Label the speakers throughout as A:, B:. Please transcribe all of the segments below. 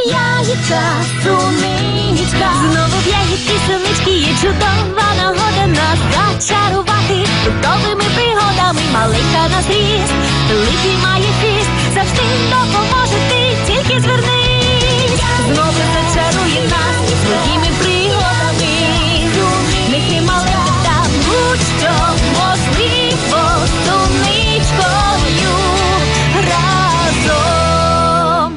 A: ягідка, суничка. Знову в ягідки, сунички є чудова нагода нас зачарувати фруктовими пригодами. Маленька на зріст, великий має хист, завжди допоможе ти, тільки звернись. Знову зачарує нас своїми пригодами. Нехай маленьких там будь-що можливо з суничкою разом.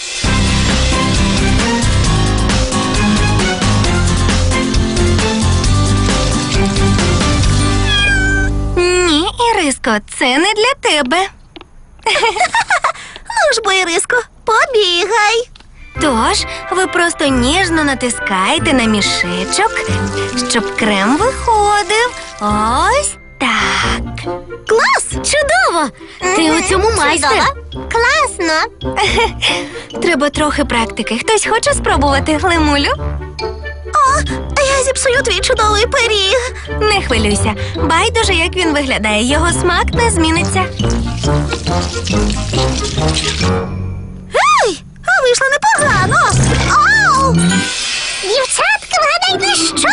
B: Ні, Іриско, це не для тебе.
C: Ну ж бо, Іриско, побігай.
B: Тож, ви просто ніжно натискаєте на мішечок, щоб крем виходив. Ось так.
C: Клас!
B: Чудово! Ти у цьому майстер.
C: Класно.
B: Треба трохи практики. Хтось хоче спробувати, Лемулю?
C: Я зіпсую твій чудовий пиріг.
B: Не хвилюйся. Байдуже, як він виглядає. Його смак не зміниться.
C: Ей, а вийшло непогано. Оу! Дівчатка, вгадайте, що?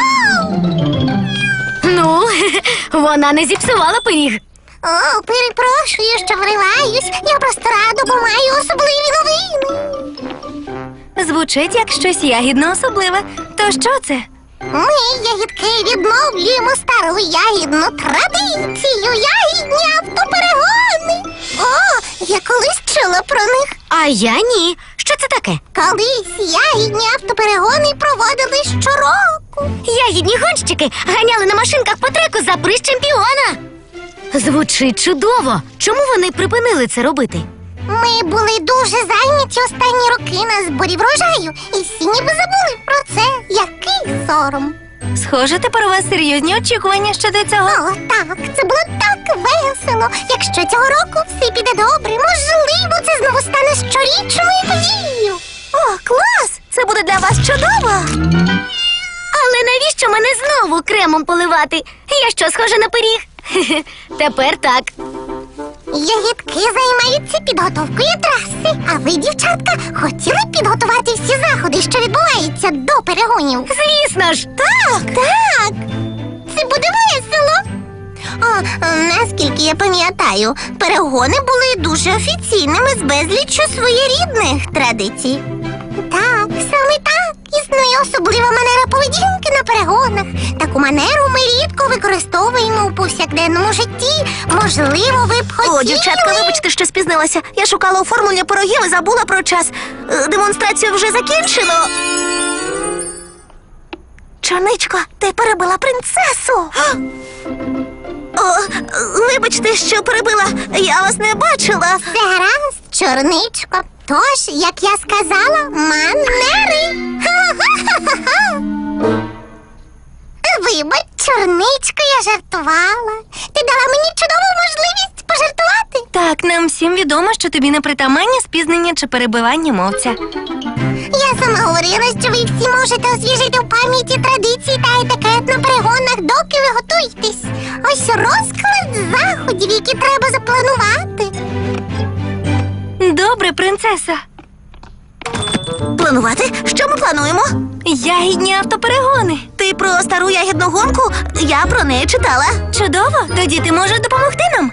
B: Ну, вона не зіпсувала пиріг.
C: О, перепрошую, що вриваюсь. Я просто радо, бо маю особливі новини.
B: Звучить як щось ягідно особливе. То що це?
C: Ми, ягідки, відновлюємо стару ягідну традицію. Ягідні автоперегони. О, я колись чула про них.
B: А я ні. Що це таке?
C: Колись ягідні автоперегони проводили щороку.
B: Ягідні гонщики ганяли на машинках по треку за приз чемпіона. Звучить чудово. Чому вони припинили це робити?
C: Ми були дуже зайняті останні роки на зборі врожаю, і всі ніби забули про це. Який сором.
B: Схоже, тепер у вас серйозні очікування щодо цього.
C: О, так, це було так весело. Якщо цього року все піде добре, можливо, це знову стане щорічною подією. О, клас! Це буде для вас чудово.
B: Але навіщо мене знову кремом поливати? Я що, схожа на пиріг? Тепер так.
C: Ягідки займаються підготовкою траси, а ви, дівчатка, хотіли підготувати всі заходи, що відбуваються до перегонів?
B: Звісно ж.
C: Так, так. Це буде весело. О, наскільки я пам'ятаю, перегони були дуже офіційними з безліччю своєрідних традицій. Так, саме так. Існує особлива манера поведінки на перегонах. Таку манеру ми рідко використовуємо у повсякденному житті. Можливо, ви б хотіли...
D: О, дівчатка, вибачте, що спізнилася. Я шукала оформлення пирогів і забула про час. Демонстрацію вже закінчено. Чорничко, ти перебила принцесу. О, вибачте, що перебила. Я вас не бачила.
C: Все гаразд, чорничко. Тож, як я сказала, манери. Ха-ха-ха-ха-ха. Вибач, чорничко, я жартувала. Ти дала мені чудову можливість пожартувати.
B: Так, нам всім відомо, що тобі не притаманні спізнення чи перебивання мовця.
C: Я сама говорила, що ви всі можете освіжити в пам'яті традиції та етикет на перегонах, доки ви готуєтесь. Ось розклад заходів, які треба запланувати.
B: Добре, принцеса.
D: Планувати? Що ми плануємо?
B: Ягідні автоперегони.
D: Ти про стару ягідну гонку? Я про неї читала.
B: Чудово, тоді ти можеш допомогти нам.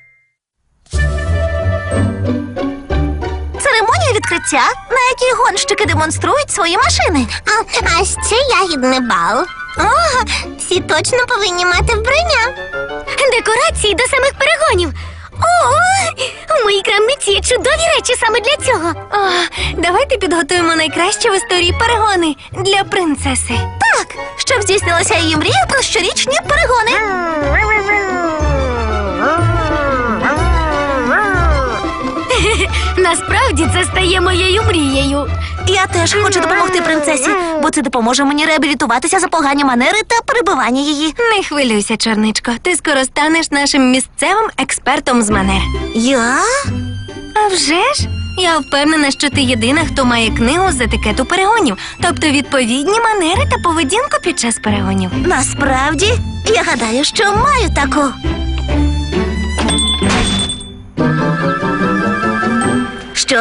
D: Церемонія відкриття, на якій гонщики демонструють свої машини.
C: А ще ягідний бал. О, всі точно повинні мати вбрання.
B: Декорації до самих перегонів. О, у моїй крамниці є чудові речі саме для цього. О, давайте підготуємо найкращі в історії перегони для принцеси.
D: Так, щоб здійснилася її мрія про щорічні перегони.
B: Насправді це стає моєю мрією.
D: Я теж хочу допомогти принцесі, бо це допоможе мені реабілітуватися за погані манери та перебивання її.
B: Не хвилюйся, чорничко. Ти скоро станеш нашим місцевим експертом з манер.
D: Я?
B: А вже ж? Я впевнена, що ти єдина, хто має книгу з етикету перегонів, тобто відповідні манери та поведінку під час перегонів.
D: Насправді, я гадаю, що маю таку. Що ж,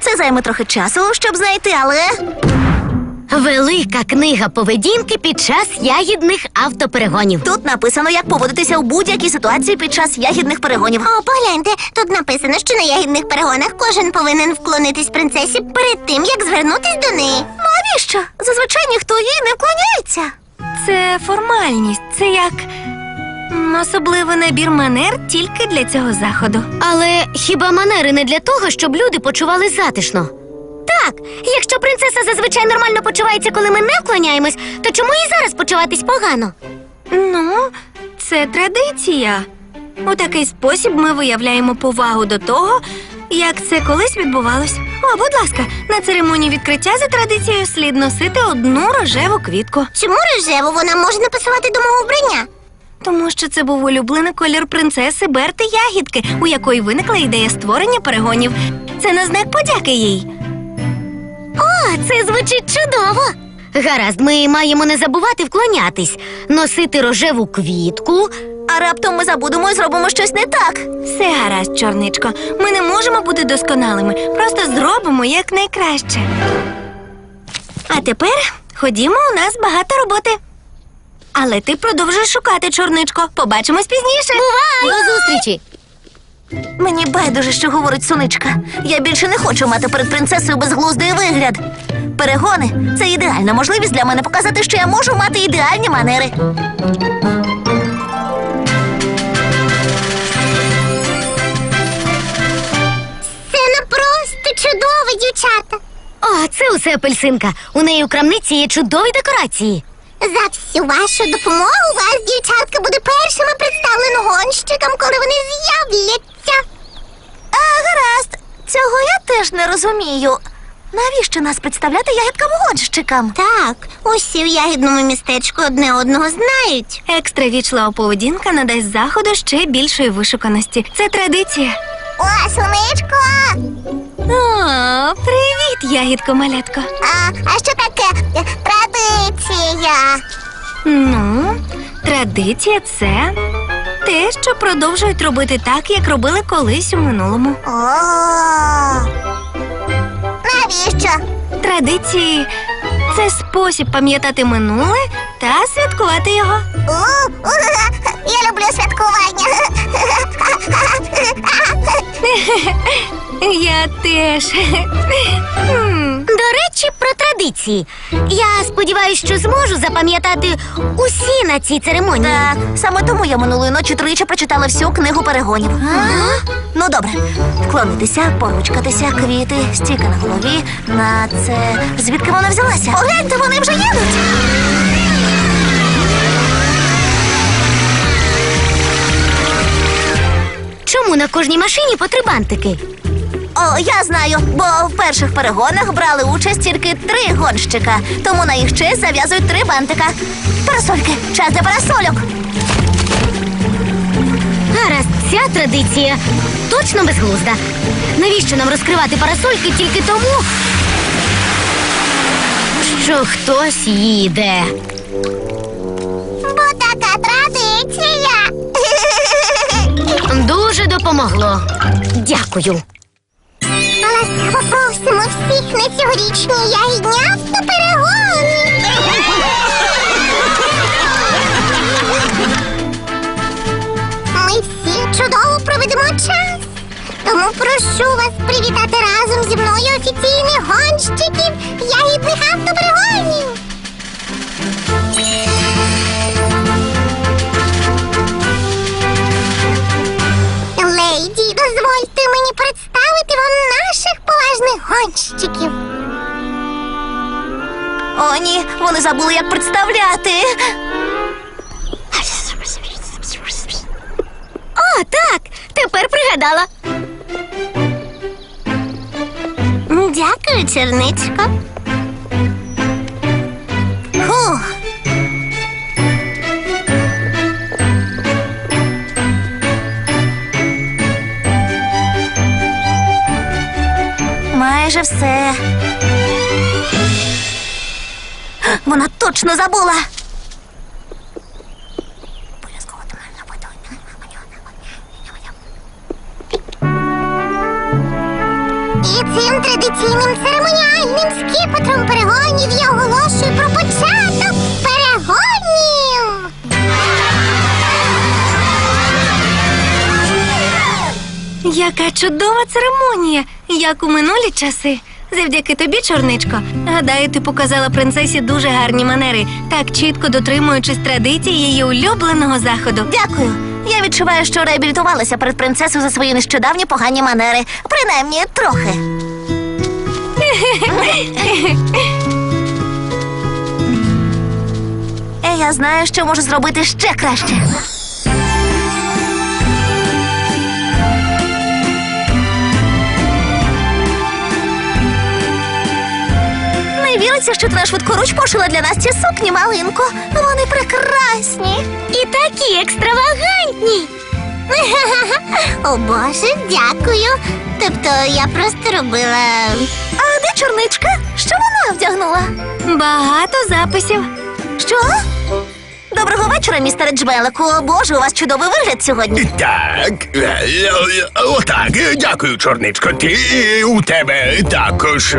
D: Це займе трохи часу, щоб знайти, але...
B: Велика книга поведінки під час ягідних автоперегонів.
D: Тут написано, як поводитися у будь-якій ситуації під час ягідних перегонів.
C: О, погляньте, тут написано, що на ягідних перегонах кожен повинен вклонитись принцесі перед тим, як звернутись до неї.
D: Навіщо? Зазвичай ніхто їй не вклоняється.
B: Це формальність, це як особливий набір манер тільки для цього заходу. Але хіба манери не для того, щоб люди почували затишно? Так, якщо принцеса зазвичай нормально почувається, коли ми не вклоняємось, то чому і зараз почуватись погано? Ну, це традиція. У такий спосіб ми виявляємо повагу до того, як це колись відбувалось. О, будь ласка, на церемонії відкриття за традицією слід носити одну рожеву квітку.
C: Чому рожеву вона може не пасувати до мого вбрання?
B: Тому що це був улюблений колір принцеси Берти Ягідки, у якої виникла ідея створення перегонів. Це на знак подяки їй. О, це звучить чудово! Гаразд, ми маємо не забувати вклонятись, носити рожеву квітку.
D: А раптом ми забудемо і зробимо щось не так.
B: Все гаразд, чорничко. Ми не можемо бути досконалими. Просто зробимо якнайкраще. А тепер ходімо, у нас багато роботи. Але ти продовжуєш шукати, чорничко. Побачимось пізніше. Бувай! До зустрічі!
D: Мені байдуже, що говорить Соничка. Я більше не хочу мати перед принцесою безглуздий вигляд. Перегони – це ідеальна можливість для мене показати, що я можу мати ідеальні манери.
C: Це просто чудово, дівчата.
B: О, це усе апельсинка. У неї у крамниці є чудові декорації.
C: За всю вашу допомогу вас, дівчатка, буде першими представлено гонщикам, коли вони з'являться.
D: Гаразд. Цього я теж не розумію. Навіщо нас представляти ягідкам-гонщикам?
C: Так, усі в ягідному містечку одне одного знають.
B: Екстра вічлива поведінка надасть заходу ще більшої вишуканості. Це традиція.
C: О, Сонечко!
B: О, привіт, ягідко-малятко.
C: А що таке традиція?
B: Ну, традиція – це те, що продовжують робити так, як робили колись у минулому.
C: О, навіщо?
B: Традиції – це спосіб пам'ятати минуле та святкувати його.
C: Я люблю святкування.
B: Я теж. До речі, про традиції. Я сподіваюся, що зможу запам'ятати усі на цій церемонії.
D: Так, саме тому я минулої ночі тричі прочитала всю книгу перегонів. Ну, добре. Вклонитися, поручкатися, квіти, стійка на голові. На це... Звідки вона взялася? Погляньте, вони вже їдуть!
B: Чому на кожній машині по 3 бантики?
D: О, я знаю, бо в перших перегонах брали участь тільки 3 гонщика. Тому на їх честь зав'язують 3 бантика. Парасольки, час для парасольок.
B: Гаразд, ця традиція точно безглузда. Навіщо нам розкривати парасольки тільки тому, що хтось їде?
C: Бо така традиція.
B: Дуже допомогло. Дякую.
C: Ласкаво просимо всіх на цьогорічні ягідні автоперегони. Ми всі чудово проведемо час. Тому прошу вас привітати разом зі мною офіційних гонщиків ягідних автоперегонів. Леді, дозвольте мені представити вам наших поважних гонщиків.
D: О, ні, вони забули, як представляти.
B: О, так, тепер пригадала.
C: Дякую, черничко.
D: Фух. Майже все. Вона точно забула.
C: цим традиційним церемоніальним скіпетром перегонів я оголошую про початок перегонів.
B: Яка чудова церемонія, як у минулі часи. Завдяки тобі, чорничко. Гадаю, ти показала принцесі дуже гарні манери, так чітко дотримуючись традицій її улюбленого заходу.
D: Дякую. Я відчуваю, що реабілітувалася перед принцесою за свої нещодавні погані манери. Принаймні, трохи. Я знаю, що можу зробити ще краще. Не віриться, що ти на швидкоруч пошила для нас ці сукні, малинко. Вони прекрасні.
B: І такі екстравагантні.
C: О, Боже, дякую. Тобто я просто робила...
D: А де чорничка? Що вона вдягнула?
B: Багато записів.
D: Що? Доброго вечора, містере Джмелику. Боже, у вас чудовий вигляд сьогодні.
E: Так, отак, дякую, чорничко. Ти у тебе також.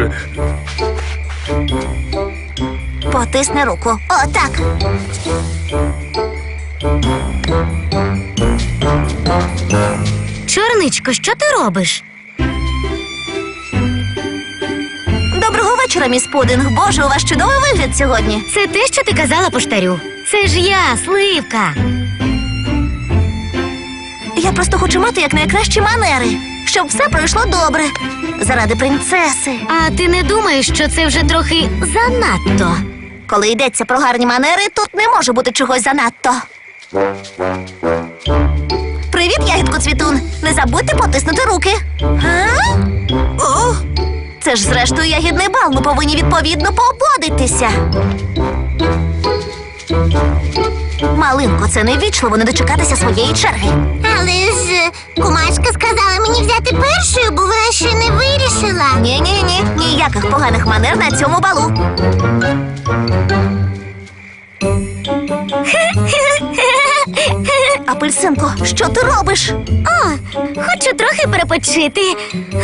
D: Потисни руку. О, так.
B: Чорничко, що ти робиш?
D: Доброго вечора, міс Пудинг. Боже, у вас чудовий вигляд сьогодні.
B: Це те, що ти казала поштарю. Це ж я, Сливка.
D: Я просто хочу мати якнайкращі манери, щоб все пройшло добре. Заради принцеси.
B: А ти не думаєш, що це вже трохи занадто?
D: Коли йдеться про гарні манери, тут не може бути чогось занадто. Привіт, ягідко Цвітун. Не забудьте потиснути руки. О! Це ж зрештою ягідний бал. Ми повинні відповідно поободитися. Малинко, це невічливо не дочекатися своєї черги.
C: Але ж кумашка сказала мені взяти першою, бо вона ще не вирішила.
D: Ні, ніяких поганих манер на цьому балу. Апельсинко, що ти робиш?
B: О, хочу трохи перепочити.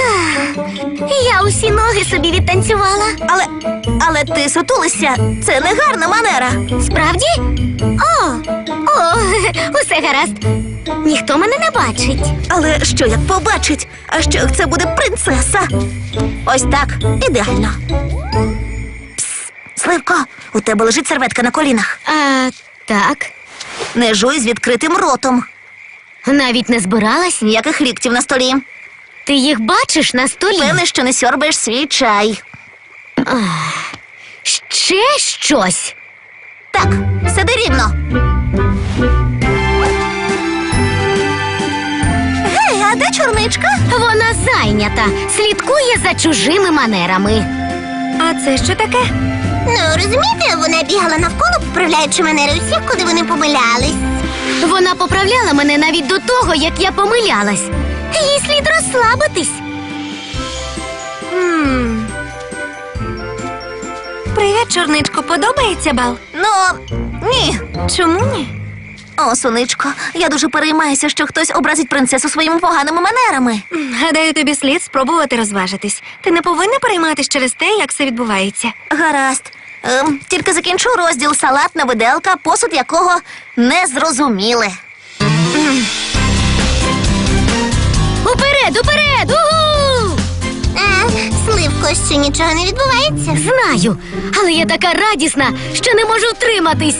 B: Я усі ноги собі відтанцювала.
D: Але ти сутулися. Це не гарна манера.
B: Справді? О, усе гаразд. Ніхто мене не бачить.
D: Але що як побачить? А що як це буде принцеса? Ось так, ідеально. Пс, Сливко, у тебе лежить серветка на колінах.
B: Так.
D: Не жуй з відкритим ротом.
B: Навіть не збиралась?
D: Ніяких ліктів на столі.
B: Ти їх бачиш на столі?
D: Певне, що не сьорбаєш свій чай.
B: Ще щось?
D: Так, сиди рівно. Гей, а де чорничка?
B: Вона зайнята, слідкує за чужими манерами. А це що таке?
C: Ну, розумієте, вона бігала навколо, поправляючи манери усіх, куди вони помилялись.
B: Вона поправляла мене навіть до того, як я помилялась. Їй слід розслабитись. Привіт, чорничко, подобається бал?
D: Ну, ні.
B: Чому ні?
D: О, сонечко, я дуже переймаюся, що хтось образить принцесу своїми поганими манерами.
B: Гадаю, тобі слід спробувати розважитись. Ти не повинна перейматись через те, як все відбувається.
D: Гаразд. Тільки закінчу розділ салатна виделка, посуд якого не зрозуміли.
B: Уперед, уперед! Угу!
C: Сливко, що нічого не відбувається.
B: Знаю, але я така радісна, що не можу втриматись.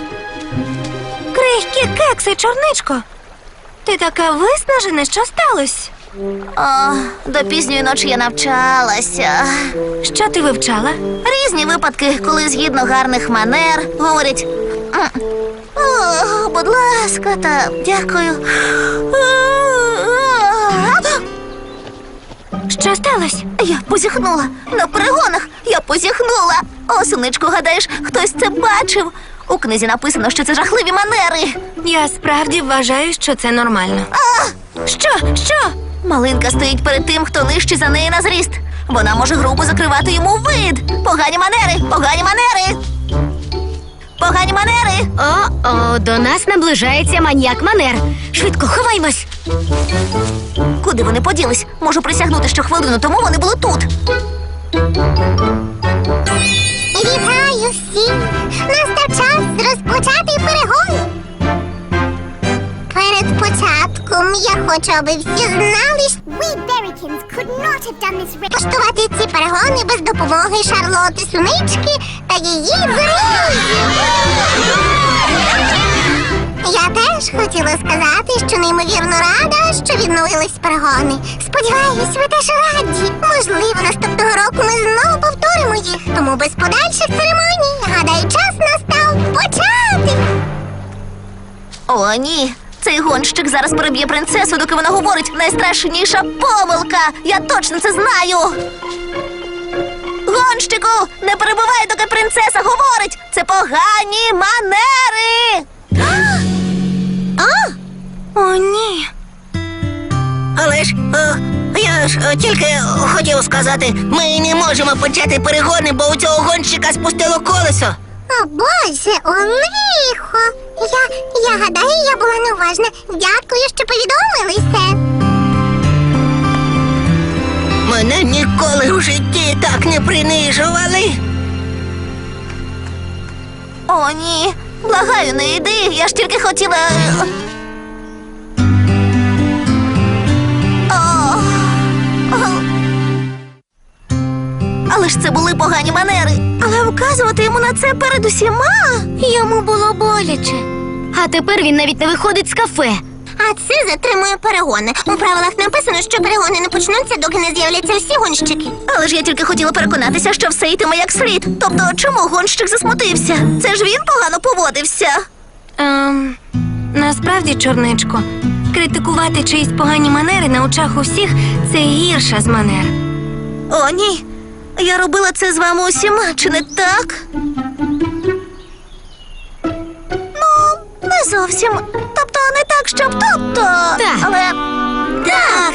B: Крихкі кекси, чорничко. Ти така виснажена, що сталося?
D: О, до пізньої ночі я навчалася.
B: Що ти вивчала?
D: Різні випадки, коли згідно гарних манер говорять «О, будь ласка, та дякую».
B: Що сталося?
D: Я позіхнула на перегонах. Я позіхнула. О, сонечко, гадаєш, хтось це бачив? У книзі написано, що це жахливі манери.
B: Я справді вважаю, що це нормально. Що?
D: Малинка стоїть перед тим, хто нижчий за неї на зріст. Вона може грубо закривати йому вид. Погані манери, погані манери. погані манери.
B: О, до нас наближається маніяк манер. Швидко, ховаймось.
D: Куди вони поділись? Можу присягнути, що хвилину тому вони були тут.
C: Вітаю всіх! Настав час розпочати перегон. Перед початком я хочу, аби всі знали, що влаштувати ці перегони без допомоги Шарлоти Сунички та її друзів. Я теж хотіла сказати, що неймовірно рада, що відновились перегони. Сподіваюсь, ви теж раді. Можливо, наступного року ми знову повторимо їх. Тому без подальших церемоній, гадаю, час настав почати.
D: О, ні. Цей гонщик зараз переб'є принцесу, доки вона говорить. Найстрашніша помилка. Я точно це знаю. Гонщику, не перебивай, доки принцеса говорить. Це погані манери.
B: О, ні.
F: Але ж, я ж тільки хотів сказати, ми не можемо почати перегони, бо у цього гонщика спустило колесо.
C: О, Боже, о, лихо. Я гадаю, я була неуважна. Дякую, що повідомилися.
F: Мене ніколи у житті так не принижували.
D: О, ні. Благаю, не йди. Я ж тільки хотіла. Але ж це були погані манери. Але вказувати йому на це перед усіма.
B: Йому було боляче. А тепер він навіть не виходить з кафе.
C: А це затримує перегони. У правилах написано, що перегони не почнуться, доки не з'являться всі гонщики.
D: Але ж я тільки хотіла переконатися, що все йтиме як слід. Тобто, чому гонщик засмутився? Це ж він погано поводився.
B: Насправді, чорничко, критикувати чиїсь погані манери на очах усіх – це гірша з манер.
D: О, ні. Я робила це з вами усіма, чи не так? Ну, не зовсім. Тобто, не так, щоб тобто.
B: Так.
D: Але. Так.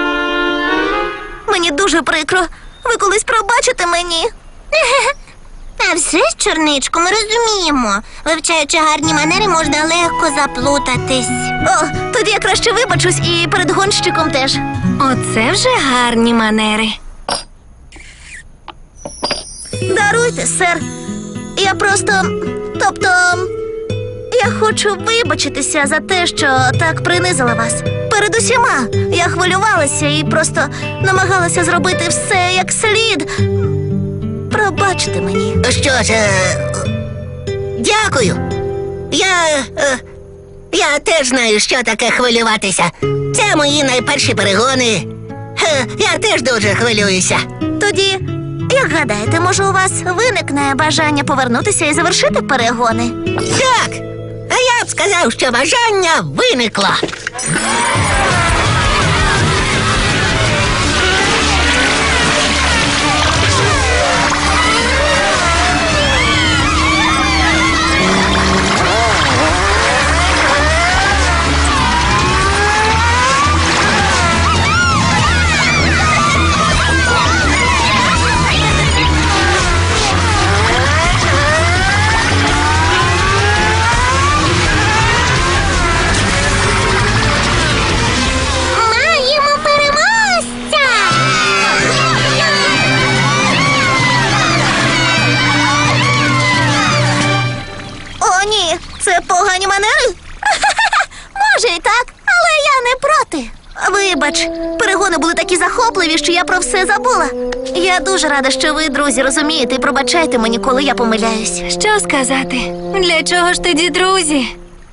D: Мені дуже прикро. Ви колись пробачите мені?
C: А все ж, чорничко, ми розуміємо. Вивчаючи гарні манери, можна легко заплутатись.
D: О, тоді я краще вибачусь і перед гонщиком теж.
B: Оце вже гарні манери.
D: Даруйте, сер. Я просто. Тобто. Я хочу вибачитися за те, що так принизила вас. Перед усіма. Я хвилювалася і просто намагалася зробити все як слід. Пробачте мені.
F: Що ж, дякую. Я теж знаю, що таке хвилюватися. Це мої найперші перегони. Я теж дуже хвилююся.
D: Тоді, як гадаєте, може у вас виникне бажання повернутися і завершити перегони?
F: Так, а я б сказав, що бажання виникло.
C: Маємо переможця!
D: О, ні, це погані манери? Може і так, але я не проти. Вибач, перегони були такі захопливі, що я про все забула. Я дуже рада, що ви, друзі, розумієте і пробачайте мені, коли я помиляюсь.
B: Що сказати? Для чого ж тоді друзі?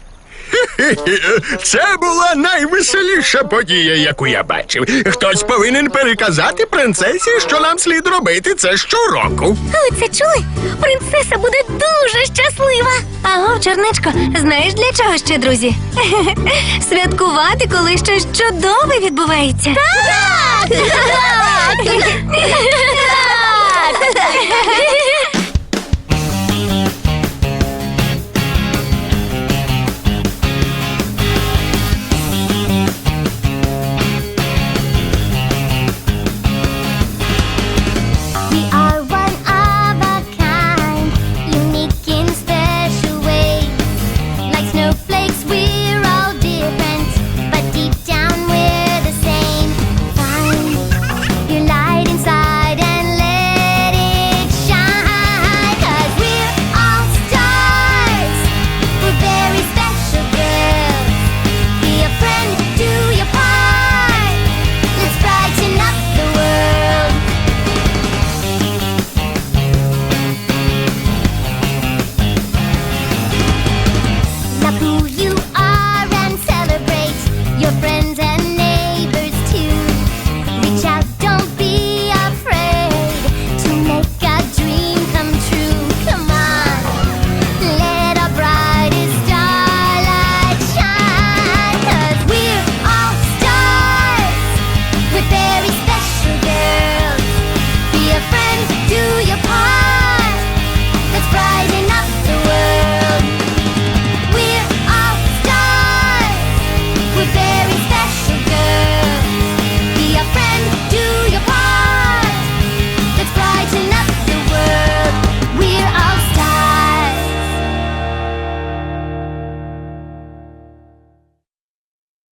E: Це була найвеселіша подія, яку я бачив. Хтось повинен переказати принцесі, що нам слід робити це щороку.
B: Ви це чули? Принцеса буде дуже щаслива. Аго, чорничко, знаєш для чого ще, друзі? Святкувати, коли щось чудове відбувається.
D: Так!